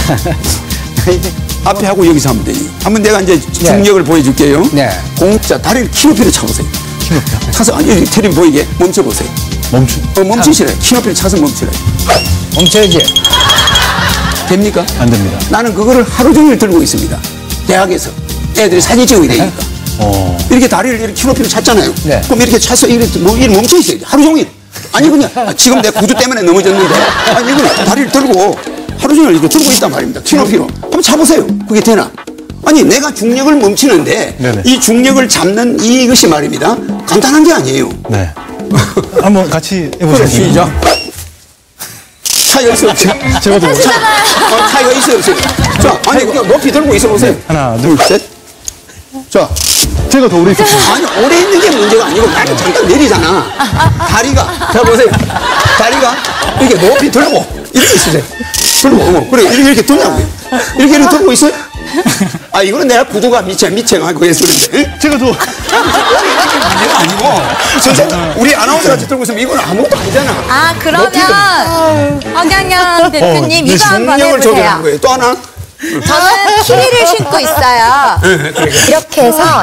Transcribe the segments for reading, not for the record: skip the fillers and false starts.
앞에 하고 여기서 하면 되지. 한번 내가 이제 중력을 보여줄게요. 네. 자, 다리를 키 높이로 차보세요. 키 높이요? 차서, 아니, 여기 테레비 보이게 멈춰보세요. 멈추시래. 키 높이로 차서 멈추래. 멈춰야지. 됩니까? 안 됩니다. 나는 그거를 하루 종일 들고 있습니다. 대학에서. 애들이 사진 찍어야 되니까. 이렇게 다리를 이렇게 키 높이로 찼잖아요. 네. 그럼 이렇게 차서 이렇게 멈춰 있어야 돼. 하루 종일. 아니, 그냥, 지금 내 구두 때문에 넘어졌는데. 아니, 이건 다리를 들고 하루 종일 이렇게 들고 있단 말입니다. 키 높이로. 한번 차보세요. 그게 되나? 아니, 내가 중력을 멈추는데 네네. 이 중력을 잡는 이것이 말입니다. 간단한 게 아니에요. 네. 한번 같이 해보세요. 시작. 차이가 있어요, 없어요? 제가 더 차이가 있어요, 없어요? 자, 아니, 그냥 높이 들고 있어 보세요. 하나, 둘, 셋. 자. 제가 더 오래 있었어요. 아니, 오래 있는 게 문제가 아니고 나는 잠깐 내리잖아. 다리가, 자, 보세요. 다리가 이렇게 높이 들고 이렇게 있으세요. 들고, 그래, 이렇게 들냐고요. 이렇게 들고 있어요? 아, 이거는 내가 구두가 미쳐가지고 해서 그런데. 제가 더. 문제가 아니고. 진짜 우리 아나운서 같이 들고 있으면 이건 아무것도 아니잖아. 아, 그러면 허경영 대표님 이거 한번 중력을 조절한 해보세요. 거예요. 또 하나? 저는 키위를 신고 있어요. 이렇게 해서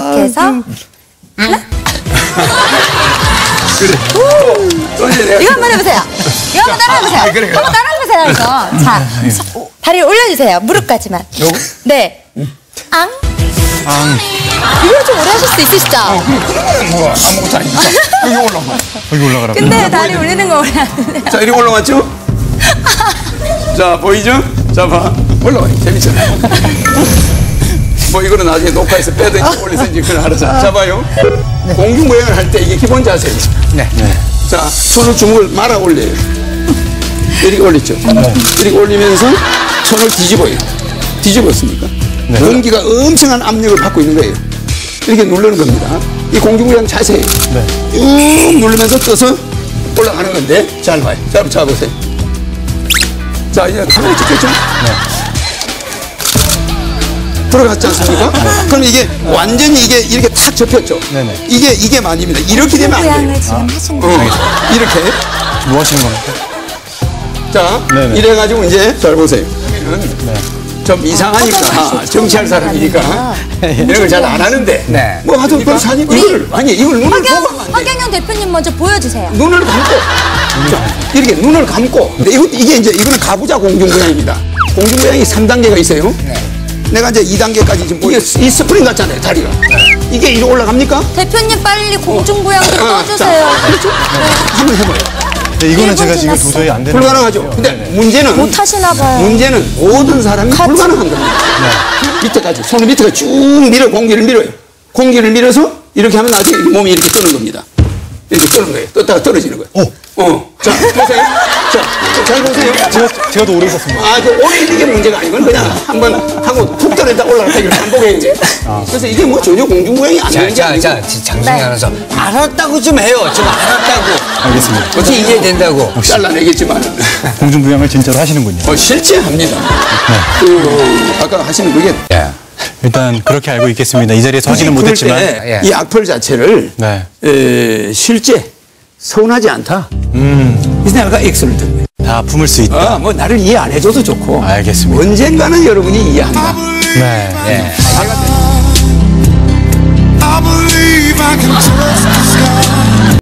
또 이제 내가 이거 한번 해보세요. 이거 한번 따라해보세요. 그래. 한번 따라해보세요, 이거. 자, 다리를 올려주세요. 무릎까지만. 네. 앙. 이걸 좀 오래 하실 수 있으시죠? 뭐가 아무것도 아니니까. 여기 올라가. 여기 올라가라고. 근데 다리 올리는 거 오래 하는데. 자, 이렇게 올라갔죠? 자, 보이죠? 자, 봐. 올라와요. 재밌잖아. 뭐, 이거는 나중에 녹화해서 빼든지 올리든지 그걸 알아서. 자, 봐요. 공중부양을 할 때 이게 기본 자세죠. 네. 자, 손을 주먹을 말아 올려요. 이렇게 올렸죠. 이렇게 올리면서 손을 뒤집어요. 뒤집었습니까? 네. 공기가 엄청난 압력을 받고 있는 거예요. 이렇게 누르는 겁니다. 이 공중부양 자세예요. 쭉 누르면서 떠서 올라가는 건데, 잘 봐요. 자, 잡아보세요. 자, 이제 카메라 찍혔죠? 들어갔지 않습니까? 그럼 이게 완전히 이게 이렇게 탁 접혔죠? 네네. 이게 만입니다. 이렇게 되면 안 돼요. 모양을 지금 하시는 거예요. 이렇게. 뭐 하시는 겁니까? 자, 네네. 이래가지고 이제 잘 보세요. 좀 이상하니까 정치할 사람이니까 이런 걸 잘 안 하는데 네. 뭐 하여튼 그 사진 이걸 눈을 보고 하면 안 돼. 허경영 대표님 먼저 보여주세요. 눈을 감고 자, 이렇게 눈을 감고 근데 이게 이제 이거는 가부좌 공중부양입니다. 공중부양이 3단계가 있어요. 내가 이제 2단계까지 지금 이게 이 스프링 같잖아요, 다리가. 이게 이리 올라갑니까? 대표님 빨리 공중부양 좀 떠주세요. 자, 그렇죠? 한번 해봐요. 네, 이거는 1분 제가 지금 지났어. 도저히 안 되는. 불가능하죠. 근데 문제는 못 하시나 봐요. 문제는 모든 사람이 불가능한 겁니다. 밑에까지 손을 밑에가 쭉 밀어 공기를 밀어요. 공기를 밀어서 이렇게 하면 나중에 몸이 이렇게 뜨는 겁니다. 이렇게 뜨는 거예요. 떴다가 떨어지는 거예요. 자, 보세요. 자, 잘 보세요. 제가 더 오래 있었습니다. 아, 그 오래 있는 게 문제가 아니고 그냥 한번 하고 툭 떨어졌다 올라갔다 이렇게 반복해야 돼요. 그래서 이게 뭐 전혀 공중부양이 안 되는 게 아니고. 장승희 아나운서. 알았다고 좀 해요. 좀 알았다고. 알겠습니다. 어떻게 이해된다고. 잘라내겠지만 공중부양을 진짜로 하시는군요. 실제 합니다. 아까 하시는 그게 예. 일단 그렇게 알고 있겠습니다. 이 자리에 서지는 그럴 못했지만. 때 이 악플 자체를 네. 실제 서운하지 않다. 그래서 내가 X를 든 거예요. 다 품을 수 있다. 뭐 나를 이해 안 해줘도 좋고. 알겠습니다. 언젠가는 여러분이 이해한다. 네. 예. I believe I can trust